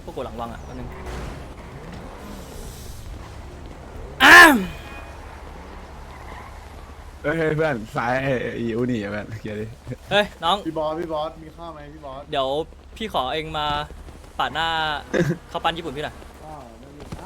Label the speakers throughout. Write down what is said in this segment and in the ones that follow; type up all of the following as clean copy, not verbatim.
Speaker 1: พวกกูหลังวังอ่ะคนนึง
Speaker 2: เฮ้ยเพื่อนสายอีอูนี่เพื่อนเกียร์ดิ
Speaker 1: เฮ้ยน้อง
Speaker 3: พี่บอสมีข้าวไหมพี่บอส
Speaker 1: เดี๋ยวพี่ขอเองมาปาดหน้า ข้าวปั้นญี่ปุ่นพี่หน่อย
Speaker 3: ข้าวไม่มีนะ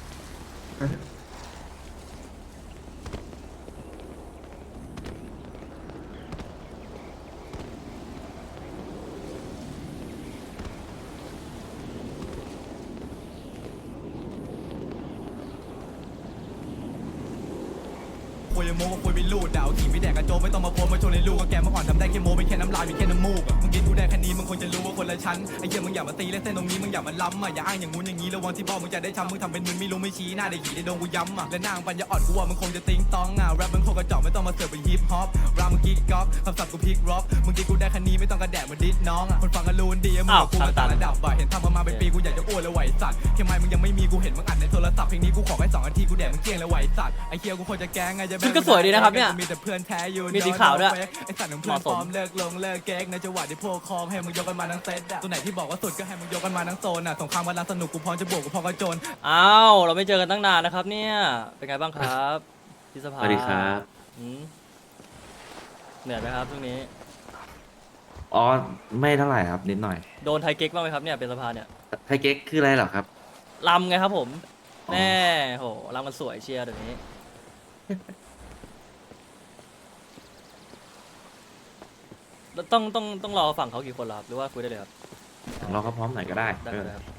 Speaker 4: คุยโม้ก็คุยไม่รู้ดาวขี่ไม่แดกกระโจมไม่ต้องมาโพสมาโชว์ในลูกก็แกเมื่อก่อนทำได้แค่โม้เป็นแค่น้ำลายมีแค่น้ำมูกมึงกินกูได้แค่นี้มึงควรจะรู้ว่าคนละชั้นไอ้เหี้ยมึงอย่ามาตีเล่นเส้นตรงนี้มึงอย่ามาล้ำอย่าอ้างอย่างงู้นอย่างนี้ระวังที่บอกมึงจะได้ช้ำมึงทำเป็นมึนไม่รู้ไม่ชี้หน้าได้หีได้โดนกูย้ำและนางปัญญาอ่อนกูว่ามึงคงจะติ้งต้องแรปมึงโคกระจอกไม่ต้องมาเสือกเป็นฮิปฮอปรามมึงกิ๊กก๊อกคำศัพท์กูพิกร็อกมึงกินกูได้แค่นี้ไม่ต้องกระแดะเหมือนดิสน้องคนฟังกันรู้ดีมึงกับกูมาต่างระดับเห็นทำมาเป็นปีกูอยากจะอ้วนแล้วไหวสัตว์แค่ไม่มึงยังไม่มีกูเห็นมึงอัดในโทรศัพท์เพลงนี้กูขอแค่2 นาทีกูแดกมึงเกลี้ยงแล้วไหวสัตว์ไอ้เหี้ยกูควรจะแกงไงจะ
Speaker 1: ชุดก็สวยดีนะครับเนี่ย
Speaker 4: มีแต่เพื่อนแท้อยู่
Speaker 1: มีสีขาวด้วย
Speaker 4: ไอ้สัตว์ของเพื่อนปลอมเลิกลงเลิกเก๊กในจังหวะที่พวกคอมให้มึงยกกันมาทั้งเซตอะตัวไหนที่บอกว่าสุดก็ให้มึงยกกันมาทั้งโซนอะสงครามกำลังสนุกกูพร้อมจะบวกกูพร้อมกระโจน
Speaker 1: อ้าวเราไม่เจอกันตั้งนานนะครับเนี่ยเป็นไงบ้างครับพี่สภา
Speaker 5: สวัสดีครับ
Speaker 1: อืมเหนื่อยไหมครับช่วงนี้
Speaker 5: อ๋อไม่เท่าไหร่ครับนิดหน่อย
Speaker 1: โดนไทยเก๊กบ้างไหมครับเนี่ยเป็นสภาเนี่ย
Speaker 5: ไทยเก๊กคืออะไรเหรอครับ
Speaker 1: ลำไงครับผม
Speaker 5: อ๋อ
Speaker 1: แน่โหลำมันสวยเชียร์เดี๋ยวนี้ แล้วต้องรอฝั่งเขากี่คนเหรอครับหรือว่าคุยได้เลยครับ
Speaker 5: เราก็พร้อมหน่อยก็ได้
Speaker 1: ได้เลยครับ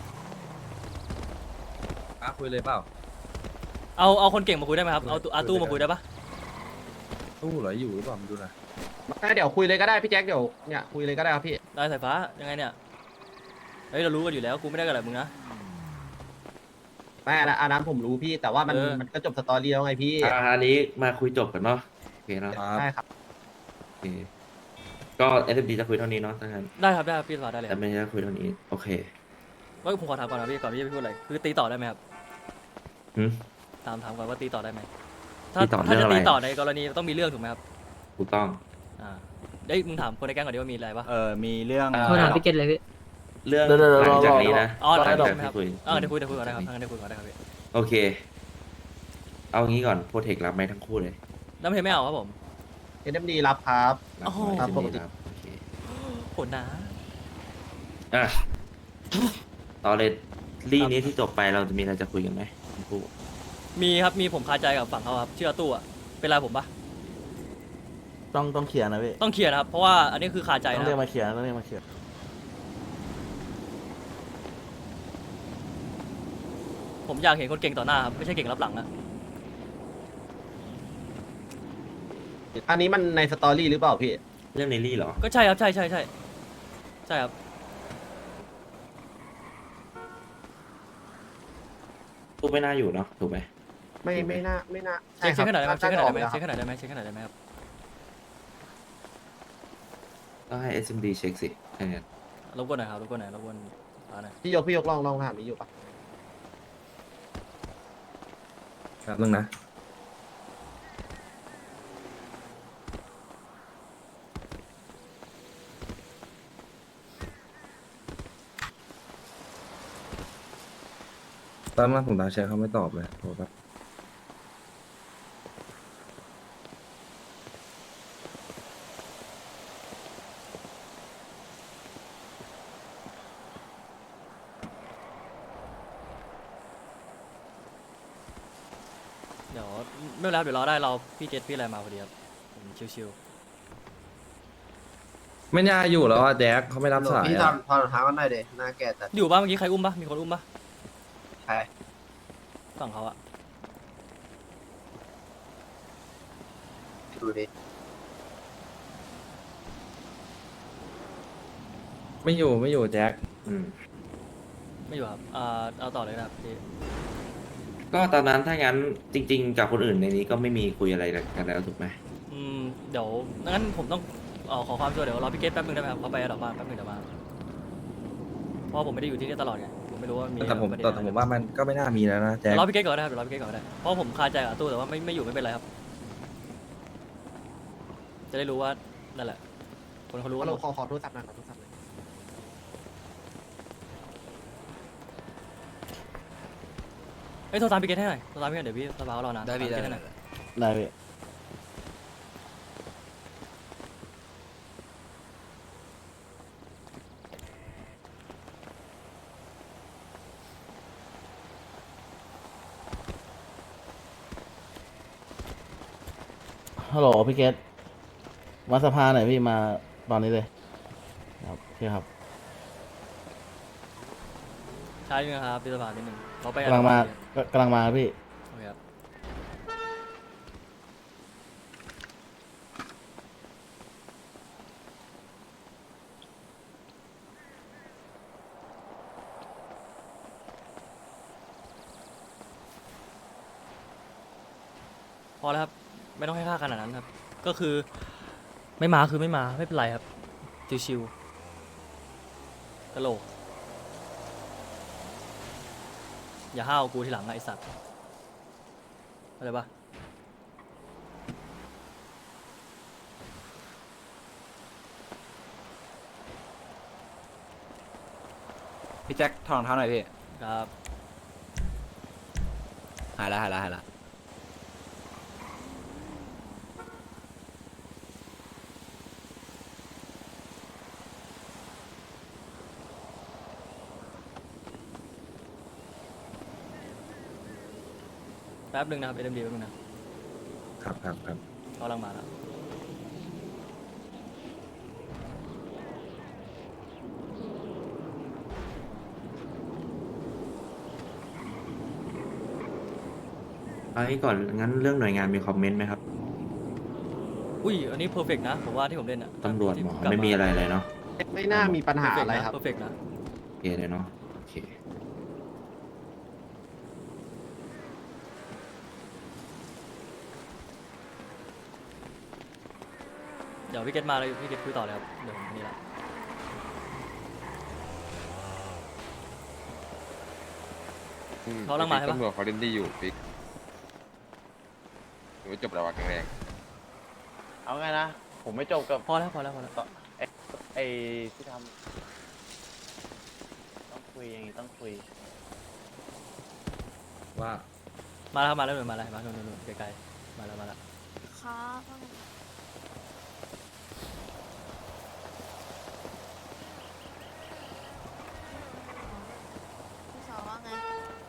Speaker 6: คุยเลยเปล่า
Speaker 1: เอาคนเก่งมาคุยได้ไหมครับเอาอาตู้มาคุยได้ปะ
Speaker 6: ตู้เหรออยู่หรือเปล่ามาดูหน่อย
Speaker 7: เดี๋ยวคุยเลยก็ได้พี่แจ็คเดี๋ยวเนี่ยคุยเลยก็ได้ครับพี่
Speaker 1: ได้สายฟ้ายังไงเนี่ยเฮ้ยเรารู้กันอยู่แล้วกูไม่ได้กันอะไรมึงนะ
Speaker 7: ไม่อันนั้นผมรู้พี่แต่ว่ามัน
Speaker 1: เออ
Speaker 7: มันก็จบสตอรี่แล้วไงพี่
Speaker 5: อันนี้มาคุยจบกันเนาะโอเคเนาะ
Speaker 7: ใช่ครับ
Speaker 5: โอเคก็ SMD จะคุยเท่านี้เนาะถ้างั้น
Speaker 1: ได้ครับได้ครับพี่สภาได้เลยค
Speaker 5: แต่
Speaker 1: รับ
Speaker 5: ไม่ใช่คุยเท่านี้โอเค
Speaker 1: ว่าผมขอถามก่อนนะพี่ก่อนพี่จะพูดอะไรคือตีต่อได้ไหมครับ
Speaker 5: หืม
Speaker 1: ถามก่อนว่าตีต่อได้ไหม
Speaker 5: ตีต่อ
Speaker 1: ถ้า
Speaker 5: เรื่
Speaker 1: จะ
Speaker 5: องอะไร
Speaker 1: ตีต่อในกรณีต้องมีเรื่องถูกไหมครับ
Speaker 5: ถูกต้อง
Speaker 1: อ่าเอ้ยมึงถามคนในแก๊งก่อนดิว่ามีอะไรปะ
Speaker 2: มีเรื่อง
Speaker 8: โทรถามพี่เกตเลยพี่
Speaker 5: เรื่อง
Speaker 2: เดี๋ยว
Speaker 5: หลังจากนี้นะ
Speaker 1: อ๋อ
Speaker 5: หลัง
Speaker 1: ได้
Speaker 5: จาก
Speaker 1: ไหมครับ
Speaker 5: ที่คุย
Speaker 1: เดี๋ยวคุยก่อนได้ครับงั้นได้คุยก่อนได้ครับพี่
Speaker 5: โอเค เอางี้ก่อนโปรเทครับไหมทั้งคู่เลย
Speaker 1: น้ำเพลไม่เอาครับผม
Speaker 7: เอ็มดีรับครับ
Speaker 5: รับ
Speaker 1: โอ้โห
Speaker 5: ไหม
Speaker 7: ครับปกติ
Speaker 5: ครับโอเค
Speaker 1: โหดนะ
Speaker 5: อ่ะต่อเลยรี่นี้ที่จบไปเราจะมีอะไรจะคุยกันไหมทั้งคู่
Speaker 1: มีครับมีผมคาใจกับฝั่งเขาครับชื่ออาตู้อะเป็นไรผมปะ
Speaker 9: ต้องเคลียร์นะพี่
Speaker 1: ต้องเคลียร์นะครับเพราะว่าอันนี้คือคาใจ
Speaker 9: ต้อง
Speaker 1: นะ
Speaker 9: เรียกมาเคลียร์ต้องเรียกมาเคลียร์
Speaker 1: ผมอยากเห็นคนเก่งต่อหน้าครับไม่ใช่เก่งรับหลังอะ
Speaker 7: อันนี้มันในสตอรี่หรือเปล่าพี่
Speaker 5: เรื่องในรี่เหรอ
Speaker 1: ก็ใช่ครับใช่ครับ
Speaker 5: ตู้ไม่น่าอยู่เนาะถูกไหม
Speaker 7: ไม่น่าใช่
Speaker 1: เช็คขนาดได้ไหม
Speaker 7: น่าจะออกแล้ว
Speaker 1: เช็คขนาดได้ไหมเช็คขนาดได้ไหมครับ
Speaker 5: ก็ให้ SMD เช็คสิถ้างั้น
Speaker 1: รบกวนหน่อยครับรบกวนหน่อยรบกวนหน่อย
Speaker 7: พี่ยกลองถามนี้อยู่ปะ
Speaker 6: ครับนึงนะตอนนั้นผมตามแชร์เขาไม่ตอบเลยโทรครับ
Speaker 1: เดี๋ยวไม่เป็นไรครับเดี๋ยวรอได้เราพี่เจษพี่อะไรมาพอดีครับผมชิว
Speaker 6: ไม่น่าอยู่แล้วอ่ะแจ็คเขาไม่รับสาย
Speaker 7: พี่
Speaker 6: อ่ะ
Speaker 7: ทำทางกันหน่อยเดหน้าแก่แต่
Speaker 1: ๆอยู่บ้างเมื่อกี้ใครอุ้มปะมีคนอุ้มปะ
Speaker 7: ใช่
Speaker 1: ฝั่งเขาอะ
Speaker 7: ดูดิ
Speaker 6: ไม่อยู่แจ็ค
Speaker 5: อืม
Speaker 1: ไม่อยู่ครับเอาต่อเลยนะครับพี่
Speaker 5: ก็ตอนนั้นถ้างั้นจริง ๆ กับคนอื่นในนี้ก็ไม่มีคุยอะไรกันแล้วถูกไหม
Speaker 1: เดี๋ยวงั้นผมต้องขอความช่วยเดี๋ยวรอพี่เกตแป๊บนึงได้ไหมครับเขาไปดอกบ้านแป๊บนึงเดี๋ยวมาเพราะผมไม่ได้อยู่ที่นี่ตลอดไงผมไม่รู้ว่ามี
Speaker 6: แต่ผม
Speaker 1: ประเด็น
Speaker 6: แต่
Speaker 1: อะไร
Speaker 6: ผมว่ามันก็ไม่น่ามีแล้วนะแจ็ค
Speaker 1: รอพี่เกตก่อนได้ครับเดี๋ยวรอพี่เกตก่อนได้เพราะผมคาใจกับตู้แต่ว่าไม่อยู่ไม่เป็นไรครับ จะได้รู้ว่านั่นแหละคนเขารู้ว่า
Speaker 7: เราขอโทรศัพท์หน่อยขอโทรศัพท์หน่อย
Speaker 1: เอ้ยโทรตามพี่เกตให้หน่อยโทรตามพี่เกตเดี๋ยวพี่สภาเขารอนาน
Speaker 8: ได้พี่
Speaker 1: ตาม
Speaker 8: ได้
Speaker 1: พี่เกตให้หน่อย
Speaker 9: ได้พี่ ฮัลโหลพี่เกตมาสภาหน่อยพี่มาตอนนี้เลยครับโอเคครับ
Speaker 1: ใช่ไหมครับพี่สภานิดนึงเขาไป
Speaker 9: กำลังมาก็กำลังมาพี่
Speaker 1: โอเคครับพอแล้วครับไม่ต้องให้ค่าขนาดนั้นครับ ก็คือไม่มาคือไม่มาไม่เป็นไรครับชิวๆตลกอย่าห้าวกูทีหลังนะไอสัตว์อะไรปะ
Speaker 2: พี่แจ็คถอดรองเท้าหน่อยพี่
Speaker 1: ครับ
Speaker 2: หายละ
Speaker 1: แป๊บนึงนะครับ SMD แป๊บนึงนะครับ
Speaker 6: ครับ
Speaker 1: เขากำลังมาแล้ว
Speaker 5: เอางี้ก่อนงั้นเรื่องหน่วยงานมีคอมเมนต์ไหมครับ
Speaker 1: อุ้ยอันนี้เพอร์เฟกนะผมว่าที่ผมเล่นอะ
Speaker 5: ตำรวจหมอไม่มีอะไรเลยเนาะ
Speaker 7: ไม่น่ามีปัญหาอะไรครับ
Speaker 1: เพอร์เฟกนะ
Speaker 5: โอเคเลยเนาะโอเค
Speaker 1: เดี๋ยวพี่เกตมาเลยพี่เกตคุยต่อเลยครับเดี๋ยวผมนี่ละ เขากำลังมาใช่ปะ
Speaker 10: ตำรวจเขาเล่นดีอยู่ปิ๊กหรือว่าจบแล้ววะแข็งแรง
Speaker 9: เอาไงนะ ผมไม่จบกับ
Speaker 1: พอแล้ว
Speaker 9: ไอ้ที่ทำต้องคุยอย่างนี้ต้องคุย
Speaker 6: ว่า
Speaker 1: มาแล้วครับมาแล้วหน่อยมาแล้วมาแล้วนู่นไกลๆมาแล้ว
Speaker 11: ครับพี่สาวว่าไง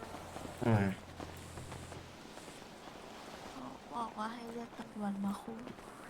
Speaker 11: เขาบอกว่าให้เรียกตำรวจมาคุย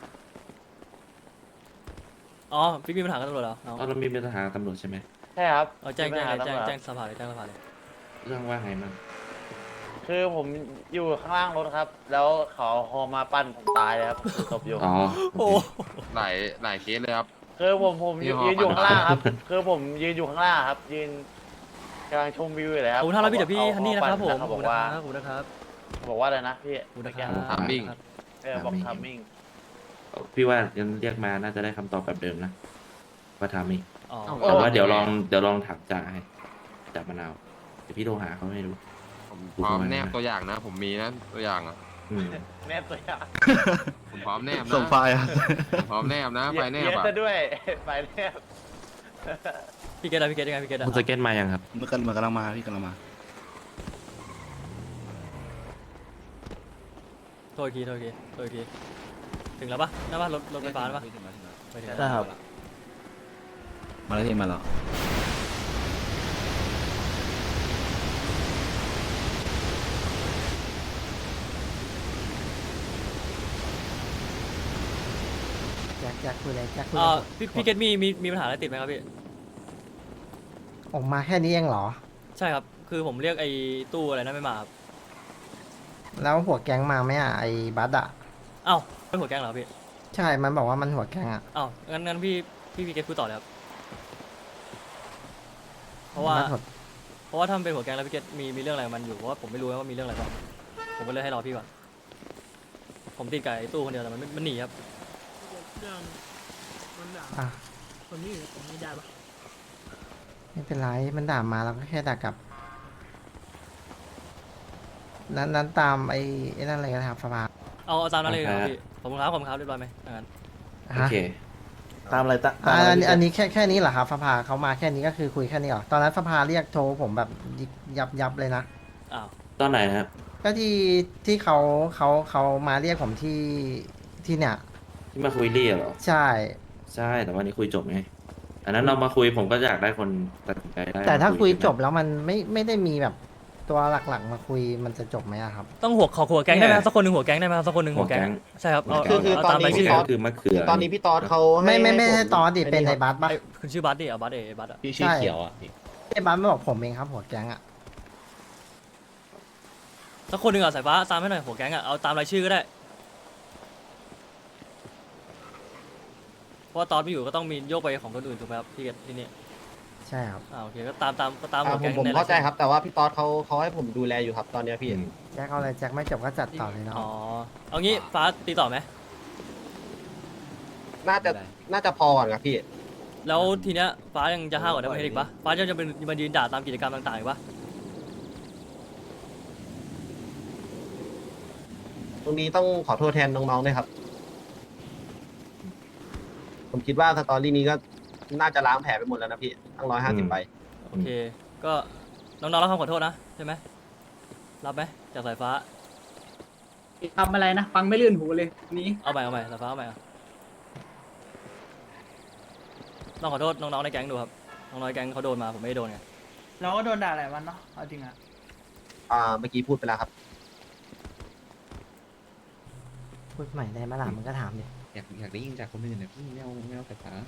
Speaker 1: อ๋อพี่มีปัญหากับตำรวจเหรอน้อง
Speaker 5: เรามีปัญหากับตำรวจใช่ไหม
Speaker 9: ใช่ครับ
Speaker 1: เอาแจ้ง
Speaker 9: มีปัญหาตำรวจ
Speaker 1: แจ้งสภาเลยแจ้งสภาเลย
Speaker 5: เรื่องว่าไงมั่ง
Speaker 9: คือผมอยู่ข้างล่างรถครับ แล้วเขาฮอมาปั้นผมตายเลยครับตบอยู่
Speaker 5: อ๋อ
Speaker 1: โอ้
Speaker 10: หลายเคสเลยครับ
Speaker 9: คือผมยืน
Speaker 10: มีฮอ
Speaker 9: อยู่
Speaker 10: ปั้น
Speaker 9: ข้างล่างครับ คือผมยืนอยู่ข้างล่างครับ ยืนกำลังชมวิวอยู่เลยค
Speaker 1: ข
Speaker 9: รั
Speaker 1: อ
Speaker 9: บบ
Speaker 1: คุณท่านรับพี่เดี๋ยวพี่
Speaker 9: อา
Speaker 1: ฮันนี่นะครับผม
Speaker 9: เขา
Speaker 1: ขอบบ คุ
Speaker 9: อ
Speaker 1: ณ
Speaker 9: ก
Speaker 1: นะ
Speaker 9: ว่า
Speaker 1: ครับขอบคุณนะครับ
Speaker 9: บอกว่าอะไรนะพี่
Speaker 1: ขอบคุณนะครั
Speaker 10: ถามมิ่ง
Speaker 9: บอกทัมมิ่ง
Speaker 5: พี่ว่ายังเรียกมาน่าจะได้คำตอบแบบเดิมนะว่าทำอีก
Speaker 1: อ๋อ
Speaker 5: แต่ว่าเดี๋ยวลองถามจ่าให้จ่ามะนาวเดี๋ยวพี่โทรหาเขาไม่รู้
Speaker 10: ผมพร้อมแนบตัวอย่างนะ ผมมีนะตัวอย่างอ่ะ
Speaker 5: อืม
Speaker 9: แนบตัวอย่าง
Speaker 10: ผมพร้อมแนบนะ
Speaker 2: ส่งไฟล์อะ
Speaker 10: ผมพร้อมแนบนะไฟแนบ
Speaker 9: เย
Speaker 10: อ่ะ
Speaker 9: อะซะด้วย ไฟแนบ
Speaker 1: พี่เกตอะไรพี่เกตยังไงพี่เกตอะ
Speaker 5: คุณสเก็ตมายังครับ
Speaker 2: มันกำลังมาพี่กำลังมา
Speaker 1: โทษอีกทีถึงแล้วปะหน้าบ้านรถไฟฟ้าแล้วปะไม่ถึง
Speaker 9: ได้ครับ
Speaker 2: มาแล้วพี่มาแล้ว
Speaker 7: อยากคุยอะไรอยากคุย
Speaker 1: พี่เกตมีปัญหาอะไรติดไหมครับพี่
Speaker 7: ออกมาแค่นี้เองเหรอ
Speaker 1: ใช่ครับคือผมเรียกไอ้ตู้อะไรนะไม่มาครับ
Speaker 7: แล้วหัวแก๊งมาไหมอ่ะไอ้บัสอ่ะ
Speaker 1: เอ้าเป็นหัวแก๊งเหรอพี่
Speaker 7: ใช่มันบอกว่ามันหัวแก๊งอ่ะ
Speaker 1: เอ้างั้นพี่เกตคุยต่อเลยครับเพราะว่า
Speaker 7: บัสหั
Speaker 1: เพราะว่าถ้ามันเป็นหัวแก๊งแล้วพี่เกตมีเรื่องอะไรกับมันอยู่เพราะว่าผมไม่รู้ว่ามีเรื่องอะไรบ้างผมก็เลยให้รอพี่ก่อนผมติดกับไอ้ตู้คนเดียวแต่มันหนีครับ
Speaker 7: อ่ะไม่เป็นไรมันด่ามาเราก็แค่ด่ากลับนั้นตามไอ้นั่นอะไรกันครับสภา
Speaker 1: เอาตามนั้นเลยครับพี่ขอบคุณครับเรียบร้อยไหมงั้น
Speaker 5: โอเค
Speaker 9: ตามอะไรตาม
Speaker 7: อันนี้แค่นี้เหรอครับสภาเขามาแค่นี้ก็คือคุยแค่นี้เหรอตอนนั้นสภาเรียกโทรผมแบบยับเลยนะ
Speaker 1: อ้าว
Speaker 5: ตอนไหนครับ
Speaker 7: ก็ที่เขามาเรียกผมที่เนี่ย
Speaker 5: ที่มาคุยรี่เหรอ
Speaker 7: ใช่
Speaker 5: ใช่แต่วันนี้คุยจบไงอันนั้นเรามาคุยผมก็อยากได้คนตัดสินใจได้
Speaker 7: แต่ถ้า
Speaker 5: มา
Speaker 7: คุย
Speaker 5: ใช่ไหม
Speaker 7: จบแล้วมันไม่ได้มีแบบตัวหลักๆมาคุยมันจะจบไหมอะครับ
Speaker 1: ต้องหัวแก๊งได้ไหมสักคนหนึ่งหัวแก๊งได้ไหมสักคนหนึ่งหัวแก๊งใช่ครับเอา
Speaker 7: คือ
Speaker 1: เอา
Speaker 7: ตอน
Speaker 1: ตาม
Speaker 7: นี้
Speaker 1: รายชื่อ
Speaker 5: ก็คือมะเขือ
Speaker 7: ตอนนี้พี่ตอดเขาไม่ใช่ตอดดิเป็นไอ้บัสปะ
Speaker 1: ไอ้คุณชื่อบัสดิเอาบัสบัสอะ
Speaker 7: พี่ชื่อเขียวอ่ะไอ้บัสไม่บอกผมเองครับหัวแก๊งอ่ะ
Speaker 1: สักคนหนึ่งอ่ะสายฟ้าตามให้หน่อยหัวแก๊งอ่ะเอาตามรายชื่อก็ได้เพราะว่าตอนไม่อยู่ก็ต้องมีโยกไปของคนอื่นถูกไหมครับที่ที่นี่
Speaker 7: ใช่ครับ
Speaker 1: โอเคก็ตามหัวแก๊ง
Speaker 7: ผม
Speaker 1: ใน
Speaker 7: เข้าใจ
Speaker 1: ยชื่อ
Speaker 7: ครับแต่ว่าพี่ตอดเขาให้ผมดูแลอยู่ครับตอนเนี้ยพี่แจ็คเอาอะไรแจ็คไม่จบก็จัดต่อเลยเนาะ
Speaker 1: อ๋อเอางี้ฟ้าตีต่อไหม
Speaker 7: น่าจะพอก่อนครับพี่
Speaker 1: แล้วทีเนี้ยฟ้ายังจะห้าวกว่านั้นไม่อีกปะฟ้ายังจะเป็นมายืนด่าตามกิจกรรมต่างๆอีกปะ
Speaker 7: ตรงนี้ต้องขอโทษแทนน้องๆด้วยครับ ผมคิดว่าสตอรี่นี้ก็น่าจะล้างแผลไปหมดแล้วนะพี่ตั้ง150ใบ
Speaker 1: โอเคก็น้องๆรับคำขอโทษนะใช่ไหมรับไหมจากสายฟ้า
Speaker 8: ทำอะไรนะ ฟังไม่ลื่นหูเลยนี้
Speaker 1: เอาใหม่สายฟ้าเอาใหม่ลองขอโทษน้องๆในแก๊งดูครับน้องๆในแก๊งเขาโดนมาผมไม่ได้โดนไง
Speaker 8: เราก็โดนด่าหลายวันเนาะเอาจริงอะ
Speaker 7: เมื่อกี้พูดไปแล้วครับ พูดใหม่ได้ไหมล่ะมันก็ถามดิ
Speaker 2: อยากได้ยินจากคนอื่นเนี่ยพี่ไม่เอาสายฟ้า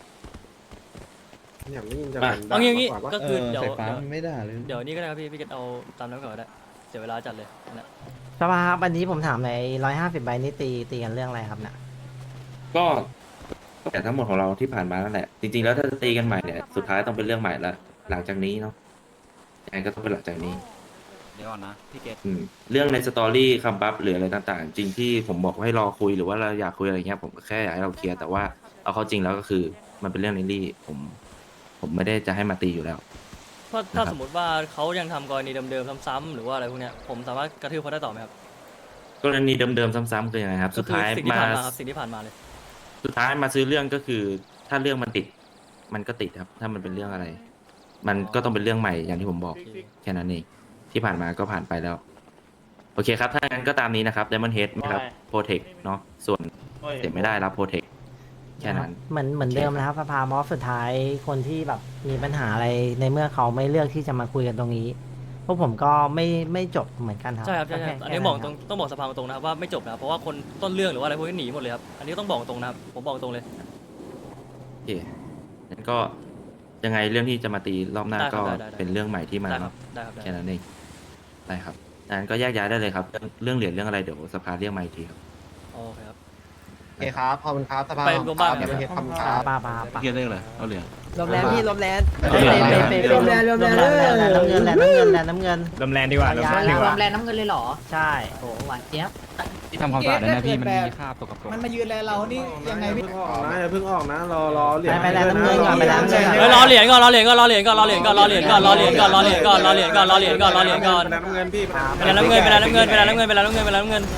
Speaker 7: อยากได้ยินจาก
Speaker 1: เอางี้ก็คือเดี๋ยว
Speaker 2: สายฟ้ามันไม่ได้เลย
Speaker 1: เดี๋ยวนี้ก็ได้ครับพี่เกตเอาตามนั้นก่อนก็ได้เสียเวลาจัดเลยนะ
Speaker 7: สภาครับวันนี้ผมถามใน150ใบนี้ตีกันเรื่องอะไรครับเนี่ย
Speaker 5: ก็แต่ทั้งหมดของเราที่ผ่านมานั่นแหละจริงๆแล้วถ้าจะตีกันใหม่เนี่ยสุดท้ายต้องเป็นเรื่องใหม่ละหลังจากนี้เนาะยังไงก็ต้องเป็นหลังจากนี้
Speaker 2: เดี๋ยวก่อนนะพี่เกต
Speaker 5: เรื่องในสตอรี่คำบัฟหรืออะไรต่างๆ จริงที่ผมบอกให้รอคุยหรือว่าเราอยากคุยอะไรเงี้ยผมก็แค่อยากให้เราเคลียร์แต่ว่าเอาเข้าจริงแล้วก็คือมันเป็นเรื่องในรี่ผมไม่ได้จะให้มาตีอยู่แล้ว
Speaker 1: เพราะถ้าสมมติว่าเขายังทำกรณีเดิมๆซ้ำๆหรือว่าอะไรพวกเนี้ยผมสามารถกระทืบเขาได้ต่อไหมครับ
Speaker 5: กรณีเดิมๆซ้ำๆคือยังไงครับ
Speaker 1: ก็
Speaker 5: สุด
Speaker 1: คือ
Speaker 5: ท้าย
Speaker 1: สิ่งที่
Speaker 5: มา
Speaker 1: ผ่านมาครับสิ่งที่ผ่านมาเลย
Speaker 5: สุดท้ายมาซื้อเรื่องก็คือ ถ้าเรื่องมันติด มันก็ติดครับ ถ้ามันเป็นเรื่องอะไร มันก็ต้องเป็นเรื่องใหม่อย่างที่ผมบอกแค่นั้นเองที่ผ่านมาก็ผ่านไปแล้ว โอเคครับถ้างั้นก็ตามนี้นะครับ Diamond Head นะครับ Protect เนาะส่วนเสียไม่ได้รับ Protect แค่นั้น
Speaker 7: เหมือนเดิมนะครับสภามอสสุดท้ายคนที่แบบมีปัญหาอะไรในเมื่อเขาไม่เลือกที่จะมาคุยกันตรงนี้พวกผมก็ไม่จบเหมือนกันครับ
Speaker 1: ใช่ครับใช่
Speaker 7: แ
Speaker 1: อันนี้บอกตรงต้องบอกสภาตรงนะครับว่าไม่จบนะครับเพราะว่าคนต้นเรื่องหรือว่าอะไรพวกนี้หนีหมดเลยครับอันนี้ต้องบอกตรงนะครับผมบอกตรงเลย
Speaker 5: โอเคงั้นก็ยังไงเรื่องที่จะมาตีรอบหน้า
Speaker 1: ได้ครั
Speaker 5: ก็
Speaker 1: บได้
Speaker 5: เป็นเรื่องใหม่ที่มา
Speaker 1: ได้ครับได้ครับได้
Speaker 5: แค่นั้นเองได้ครับงั้นก็แยกย้ายได้เลยครับ เรื่องเหรียญเรื่องอะไรเดี๋ยวสภาเรียกมาอีกทีครับ
Speaker 1: โอเคครับ
Speaker 7: โอเคครับขอบคุณครับสภา
Speaker 1: ไปรวมบ้าน
Speaker 7: เดี๋ยวเฮ็ดคำครับป้า
Speaker 2: พี่เกตเรื่องอะไรเอาเหรียญ
Speaker 7: ลมแรงพี่ลมแรง
Speaker 2: ลมแรง
Speaker 7: ลมแรงน้ำเงินน้ำเงิน
Speaker 8: ลมแรงดีกว่าลมแรงดีกว่า
Speaker 11: แรงน้ำเงินเลยเหรอ
Speaker 7: ใช่
Speaker 11: โหหวานเจี๊ยบ
Speaker 2: ที่ทำความสะอาดนะพี่มันมีคราบตกกระปรก
Speaker 8: มันมายืนแลเรานี่ยังไงพี่
Speaker 3: เพิ่งออกนะรอเหรียญ
Speaker 7: ไปแล้วน้ำเงินก่อนไปแล้วน้ำเงิน
Speaker 1: เฮ้ยรอเหรียญก่อนรอเหรียญก่อนรอเหรียญก่อนรอเหรียญก่อนรอเหรียญก่อนรอเหรียญก่อนรอเหรียญก่อนรอเหรียญก่อนรอเหรียญก่อนรอเหรียญก่อน
Speaker 3: น้ำเงินพี่
Speaker 1: เป็นน้ำเงินเป็นน้ำเงินเป็นน้ำเงินเป็นน้ำเงินเป็นน้ำเงิน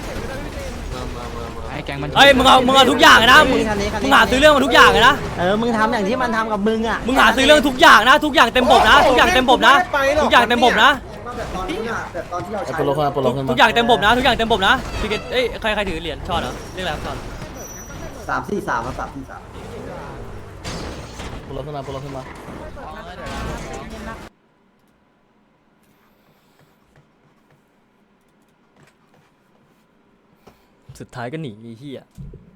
Speaker 2: ให้แก๊งมัน
Speaker 1: เฮ้ยมึงเอาทุกอย่างเลยนะมึงหาซื้อเรื่องมาทุกอย่างเลยนะ
Speaker 7: มึงทำอย่างที่มันทำกับมึงอ่ะ
Speaker 1: มึงหาซื้อเรื่องทุกอย่างนะทุกอย่างเต็มบบนะทุกอย่างเต็มบบนะทุกอย่างเต็มบบนะ
Speaker 3: โปโลขึ้น
Speaker 1: ทุกอย่างเต็มบบนะทุกอย่างเต็มบบนะพี่เกตเอ้ยใครถือเหรียญช็อตเหรอเรียกอะไรครับช็อต
Speaker 7: 343ครับ343
Speaker 3: โปโลขึ้นมา
Speaker 1: สุดท้ายก็หนีไอ้เหี้ย